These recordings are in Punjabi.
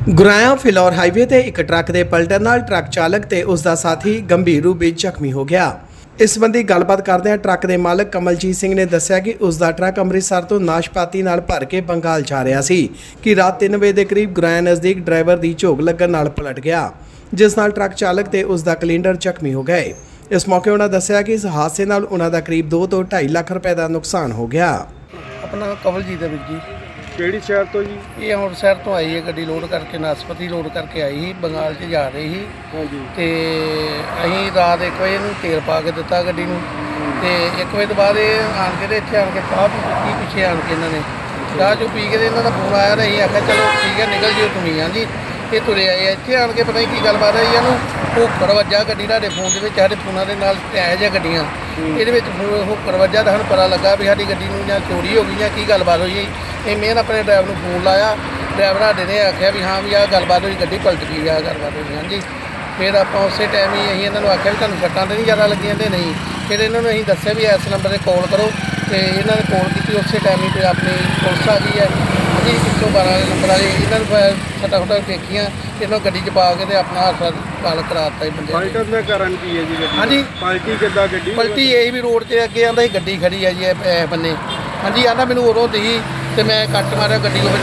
ਗੁਰਾਇਆ ਫਿਲੌਰ ਹਾਈਵੇ ਤੇ ਇੱਕ ਟਰੱਕ ਦੇ ਪਲਟਣ ਨਾਲ ਟਰੱਕ ਚਾਲਕ ਤੇ ਉਸ ਦਾ ਸਾਥੀ ਗੰਭੀਰ ਰੂਪ ਵਿੱਚ ਜ਼ਖਮੀ ਹੋ ਗਿਆ। ਇਸ ਸੰਬੰਧੀ ਗੱਲਬਾਤ ਕਰਦਿਆਂ ਟਰੱਕ ਦੇ ਮਾਲਕ ਕਮਲਜੀਤ ਸਿੰਘ ਨੇ ਦੱਸਿਆ ਕਿ ਉਸ ਦਾ ਟਰੱਕ ਅੰਮ੍ਰਿਤਸਰ ਤੋਂ ਨਾਸ਼ਪਾਤੀ ਨਾਲ ਭਰ ਕੇ ਬੰਗਾਲ ਜਾ ਰਿਹਾ ਸੀ ਕਿ ਰਾਤ 3 ਵਜੇ ਦੇ ਕਰੀਬ ਗੁਰਾਇਆ ਨਜ਼ਦੀਕ ਡਰਾਈਵਰ ਦੀ ਝੋਕ ਲੱਗਣ ਨਾਲ ਪਲਟ ਗਿਆ, ਜਿਸ ਨਾਲ ਟਰੱਕ ਚਾਲਕ ਤੇ ਉਸ ਦਾ ਕਲਿੰਡਰ ਜ਼ਖਮੀ ਹੋ ਗਏ। ਇਸ ਮੌਕੇ ਉਹਨਾਂ ਦੱਸਿਆ ਕਿ ਇਸ ਹਾਦਸੇ ਨਾਲ ਉਹਨਾਂ ਦਾ ਕਰੀਬ 2 ਤੋਂ 2.5 ਲੱਖ ਰੁਪਏ ਦਾ ਨੁਕਸਾਨ ਹੋ ਗਿਆ। अपना कमलजीत है वीर जी। ਕਿਹੜੀ ਸ਼ਹਿਰ ਤੋਂ ਜੀ? ये अंमृतसर तो आई है गड्डी लोड करके नाशपती लोड करके आई ही बंगाल च जा रही ही ਹਾਂਜੀ ते अहीं रात 1 वजे नूं तेल पा के दिता गड्डी नूं ते 1 वजे तो बाद आन के इत्थे आन के चाह पीती पिछे आन के इन्हां ने चाह चो पी के इन्हां दा फोन आया ते अहीं आख्या चलो ठीक है निकल जिओ तुम हाँ जी। ये तुरे आए इत्थे आन के पता नहीं की गलबात है इन्हूं होकर वजा गड्डी तुहाडे फोन दे विच साडे फोनां दे नाल ऐ जिहा गड्डियां ਇਹਦੇ ਵਿੱਚ ਹੋकर वजा ਤਾਂ ਸਾਨੂੰ ਪਤਾ ਲੱਗਾ ਵੀ ਸਾਡੀ ਗੱਡੀ ਨੂੰ ਜਾਂ ਚੋਰੀ ਹੋ ਗਈ ਜਾਂ ਕੀ ਗੱਲਬਾਤ ਹੋਈ। ਇਹ ਮੈਂ ਆਪਣੇ ਡਰਾਈਵਰ ਨੂੰ ਫੋਨ ਲਾਇਆ, ਡਰਾਈਵਰ ਸਾਡੇ ਨੇ ਆਖਿਆ ਵੀ ਹਾਂ ਵੀ ਆਹ ਗੱਲਬਾਤ ਹੋਈ, ਗੱਡੀ ਪਲਟ ਗਈ, ਆਹ ਗੱਲਬਾਤ ਹੋਈ। ਹਾਂਜੀ ਫਿਰ ਆਪਾਂ ਉਸੇ ਟਾਈਮ ਹੀ ਅਸੀਂ ਇਹਨਾਂ ਨੂੰ ਆਖਿਆ ਵੀ ਤੁਹਾਨੂੰ ਸੱਟਾਂ ਤਾਂ ਨਹੀਂ ਜ਼ਿਆਦਾ ਲੱਗੀਆਂ ਤੇ ਨਹੀਂ। ਫਿਰ ਇਹਨਾਂ ਨੂੰ ਅਸੀਂ ਦੱਸਿਆ ਵੀ ਇਸ ਨੰਬਰ 'ਤੇ ਕਾਲ ਕਰੋ ਤੇ ਇਹਨਾਂ ਨੇ ਕਾਲ ਕੀਤੀ। ਉਸੇ ਟਾਈਮ ਹੀ ਫਿਰ ਆਪਣੀ ਪੁਲਿਸ ਆ ਗਈ ਹੈ ਜੀ 112 ਨੰਬਰ ਵਾਲੇ। ਇਹਨਾਂ ਨੂੰ ਸੱਟਾਂ ਫੁੱਟਾਂ ਦੇਖੀਆਂ, ਇਹਨਾਂ ਨੂੰ ਗੱਡੀ 'ਚ ਪਾ ਕੇ ਤੇ ਆਪਣਾ ਹਸਪਤਾਲ ਕਰਾ ਦਿੱਤਾ ਜੀ ਬੰਦੇ ਨੇ। ਪਲਟਣ ਦਾ ਕਾਰਨ ਕੀ ਹੈ ਜੀ ਗੱਡੀ? ਹਾਂਜੀ ਪਲਟੀ ਕਿੱਦਾਂ ਗੱਡੀ? ਪਲਟੀ ਇਹ ਵੀ ਰੋਡ 'ਤੇ ਅੱਗੇ ਆਂਦਾ ਸੀ ਗੱਡੀ ਖੜੀ ਆ ਜੀ ਇਹ ਬੰਨੇ। ਹਾਂਜੀ ਆਂਦਾ ਮੈਨੂੰ ਉਰੋਂ ਦੀ ਤੇ ਮੈਂ ਕੱਟ ਮਾਰਿਆ, ਗੱਡੀ ਉਹ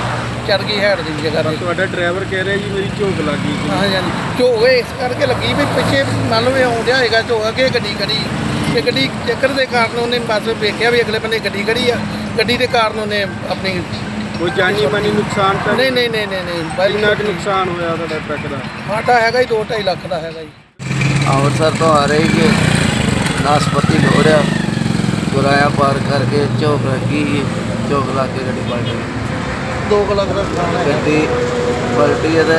ਚੜ ਗਈ ਹੈਡ ਦੀ ਜਗ੍ਹਾ 'ਤੇ। ਤੁਹਾਡਾ ਡਰਾਈਵਰ ਕਹਿ ਰਿਹਾ ਜੀ ਮੇਰੀ ਝੋਕ ਲੱਗ ਗਈ ਸੀ। ਹਾਂਜੀ ਹਾਂਜੀ ਝੋਕ ਇਸ ਕਰਕੇ ਲੱਗੀ ਵੀ ਪਿੱਛੇ ਮੰਨ ਲਓ ਆਉਣ ਡਿਆ ਹੋਏਗਾ ਝੋਕ, ਅੱਗੇ ਗੱਡੀ ਖੜੀ ਤੇ ਗੱਡੀ ਚੱਕਰ ਦੇ ਕਾਰਨ ਉਹਨੇ ਬਸ ਵੇਖਿਆ ਵੀ ਅਗਲੇ ਬੰਨੇ ਗੱਡੀ ਖੜੀ ਆ, ਗੱਡੀ ਦੇ ਕਾਰਨ ਉਹਨੇ ਆਪਣੀ ਕੋਈ ਜਾਨੀ ਮਾਨੀ ਨੁਕਸਾਨ ਤਾਂ ਨਹੀਂ ਬਾਈ ਕਿੰਨਾ ਕੁ ਨੁਕਸਾਨ ਹੋਇਆ ਤੁਹਾਡਾ ਟਰੱਕ ਦਾ? ਸਾਡਾ ਹੈਗਾ ਹੀ 2-2.5 ਲੱਖ ਦਾ ਹੈਗਾ ਜੀ। ਅੰਮ੍ਰਿਤਸਰ ਤੋਂ ਆ ਰਹੀ ਕਿ ਨਾਸ਼ਪਤੀ ਹੋ ਰਿਹਾ ਗੁਰਾਇਆ ਪਾਰ ਕਰਕੇ ਝੋਕ ਲੱਗੀ, ਝੋਕ ਲਾ ਕੇ ਗੱਡੀ ਪਲਟ ਗਈ। 2 ਲੱਖ ਦਾ ਨੁਕਸਾਨ ਹੈ। ਗੱਡੀ ਪਲਟੀ ਇਹਦੇ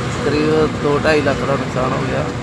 ਕਰੀਬ 2-2.5 ਲੱਖ ਦਾ ਨੁਕਸਾਨ ਹੋ ਗਿਆ।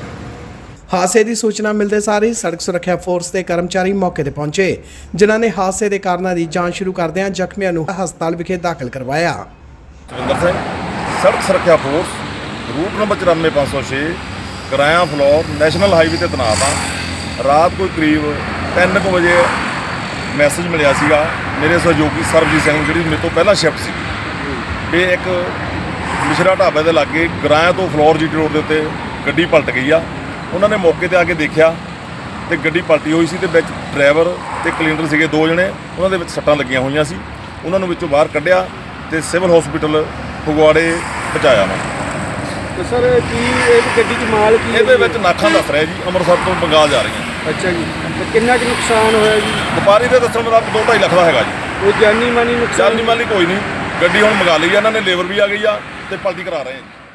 ਹਾਦਸੇ ਦੀ ਸੂਚਨਾ ਮਿਲਦੇ ਸਾਰ ਹੀ ਸੜਕ ਸੁਰੱਖਿਆ ਫੋਰਸ ਦੇ ਕਰਮਚਾਰੀ ਮੌਕੇ ਤੇ ਪਹੁੰਚੇ, ਜਿਨ੍ਹਾਂ ਨੇ ਹਾਦਸੇ ਦੇ ਕਾਰਨਾਂ ਦੀ ਜਾਂਚ ਸ਼ੁਰੂ ਕਰਦਿਆਂ ਜ਼ਖਮੀਆਂ ਨੂੰ ਹਸਪਤਾਲ ਵਿਖੇ ਦਾਖਲ ਕਰਵਾਇਆ। ਸੁਰਿੰਦਰ ਸਿੰਘ, ਸੜਕ ਸੁਰੱਖਿਆ force, route number 94506, Goraya Phillaur national highway ਤੇ ਤੈਨਾਤ ਹਾਂ। ਰਾਤ ਕੋਈ ਕਰੀਬ 3 ਵਜੇ ਮੈਸੇਜ ਮਿਲਿਆ ਸੀਗਾ ਮੇਰੇ ਸਹਿਯੋਗੀ ਸਰਬਜੀਤ ਸਿੰਘ, ਜਿਹੜੀ ਮੇਰੇ ਤੋਂ ਪਹਿਲਾਂ ਸ਼ਿਫਟ ਸੀ, ਵੀ ਇੱਕ ਮਿਸ਼ਰਾ ਢਾਬੇ ਦੇ ਲਾਗੇ ਗੁਰਾਇਆ ਤੋਂ ਫਲੋਰ ਜੀਟੀ ਰੋਡ ਦੇ ਉੱਤੇ ਗੱਡੀ ਪਲਟ ਗਈ ਆ। ਉਹਨਾਂ ਨੇ ਮੌਕੇ ਤੇ ਆ ਕੇ ਦੇਖਿਆ ਤੇ ਗੱਡੀ ਪਲਟੀ ਹੋਈ ਸੀ ਤੇ ਵਿੱਚ ਡਰਾਈਵਰ ਤੇ ਕਲਿੰਡਰ ਸੀਗੇ 2 ਜਣੇ, ਉਹਨਾਂ ਦੇ ਵਿੱਚ ਸੱਟਾਂ ਲੱਗੀਆਂ ਹੋਈਆਂ ਸੀ। ਉਹਨਾਂ ਨੂੰ ਵਿੱਚੋਂ ਬਾਹਰ ਕੱਢਿਆ ਤੇ ਸਿਵਲ ਹਸਪੀਟਲ ਫਗਵਾੜੇ ਪਹੁੰਚਾਇਆ ਵਾ। ਤੇ ਸਰ ਕੀ ਇਹ ਗੱਡੀ 'ਚ ਮਾਲ ਕੀ ਹੈ? ਇਹਦੇ ਵਿੱਚ ਨਾਖਾਂ ਦੱਸ ਰਿਹਾ ਜੀ, ਅੰਮ੍ਰਿਤਸਰ ਤੋਂ ਬੰਗਾਲ ਜਾ ਰਹੀਆਂ। ਅੱਛਾ ਜੀ, ਤੇ ਕਿੰਨਾ ਕੁ ਨੁਕਸਾਨ ਹੋਇਆ ਜੀ? ਵਪਾਰੀ ਦੇ ਦੱਸਣ ਮੁਤਾਬਕ 2-2.5 ਲੱਖ ਦਾ ਹੈਗਾ ਜੀ। ਕੋਈ ਜਾਨੀ ਮਾਨੀ ਨੁਕਸਾਨ? ਜਾਨੀ ਮਾਲੀ ਕੋਈ ਨਹੀਂ, ਗੱਡੀ ਹੁਣ ਮੰਗਾ ਲਈ ਆ ਇਹਨਾਂ ਨੇ, ਲੇਬਰ ਵੀ ਆ ਗਈ ਆ ਤੇ ਪਲਟੀ ਕਰਾ ਰਹੇ ਆ ਜੀ।